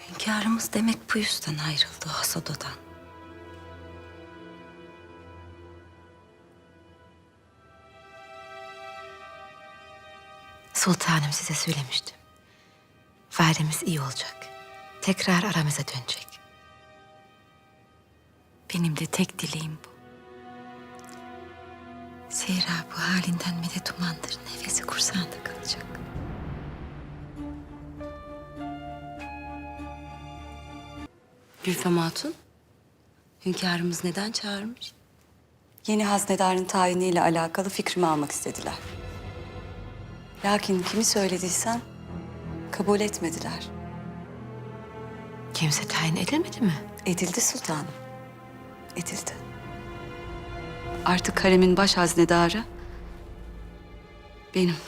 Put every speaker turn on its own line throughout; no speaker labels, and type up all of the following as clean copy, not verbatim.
Hünkârımız demek bu yüzden ayrıldı o Hasado'dan.
Sultanım size söylemiştim. Validemiz iyi olacak. Tekrar aramıza dönecek.
Benim de tek dileğim bu. Zira bu halinden medet umandır. Nefesi kursağında kalacak. Gülfem Hatun, hünkârımız neden çağırmış?
Yeni haznedarın tayiniyle alakalı fikrimi almak istediler. Lakin kimi söylediysem kabul etmediler.
Kimse tayin edilmedi mi?
Edildi sultanım. Edildi. Artık haremin baş haznedarı benim.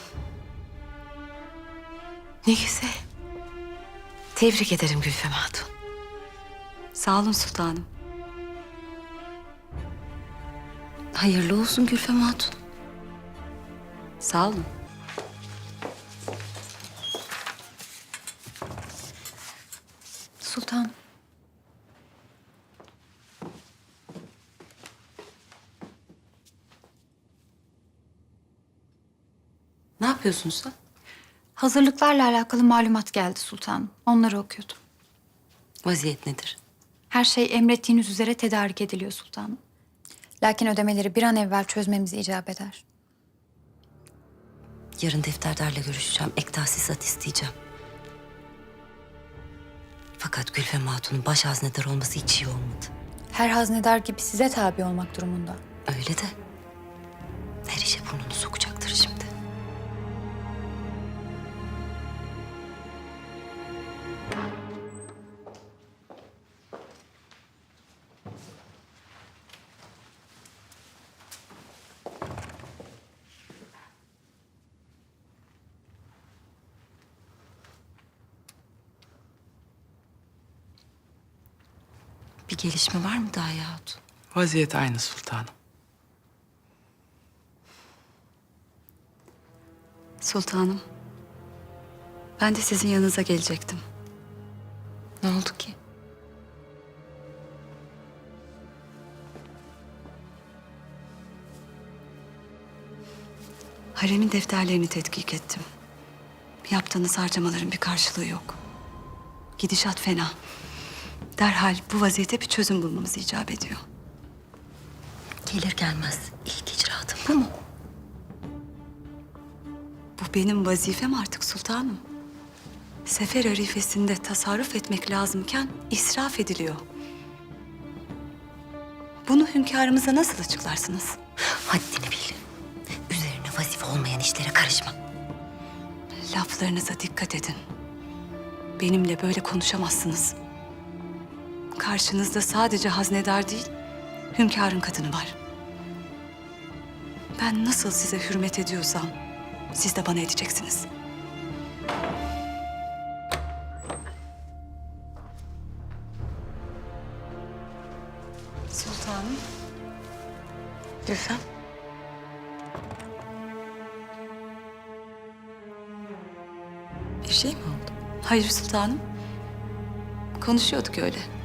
Ne güzel. Tebrik ederim Gülfem Hatun.
Sağ olun sultanım.
Hayırlı olsun Gülfem Hatun.
Sağ olun.
Sultan. Ne yapıyorsun sen?
Hazırlıklarla alakalı malumat geldi sultanım. Onları okuyordum.
Vaziyet nedir?
Her şey emrettiğiniz üzere tedarik ediliyor sultanım. Lakin ödemeleri bir an evvel çözmemizi icap eder.
Yarın defterdarla görüşeceğim. Ek tahsisat isteyeceğim. Fakat Gülfem Hatun'un baş haznedar olması hiç iyi olmadı.
Her haznedar gibi size tabi olmak durumunda.
Öyle de her işe burnunu sokacaktır şimdi. Bir gelişme var mı daha Hatun?
Vaziyet aynı sultanım.
Sultanım. Ben de sizin yanınıza gelecektim.
Ne oldu ki?
Haremin defterlerini tetkik ettim. Yaptığınız harcamaların bir karşılığı yok. Gidişat fena. Derhal bu vaziyete bir çözüm bulmamız icap ediyor.
Gelir gelmez ilk icraatım bu mu?
Bu benim vazifem artık sultanım. Sefer arifesinde tasarruf etmek lazımken israf ediliyor. Bunu hünkârımıza nasıl açıklarsınız?
Haddini bil. Üzerine vazife olmayan işlere karışma.
Laflarınıza dikkat edin. Benimle böyle konuşamazsınız. Karşınızda sadece haznedar değil, hünkârın kadını var. Ben nasıl size hürmet ediyorsam, siz de bana edeceksiniz. Sultanım.
Gülfem. Bir şey mi oldu?
Hayır sultanım. Konuşuyorduk öyle.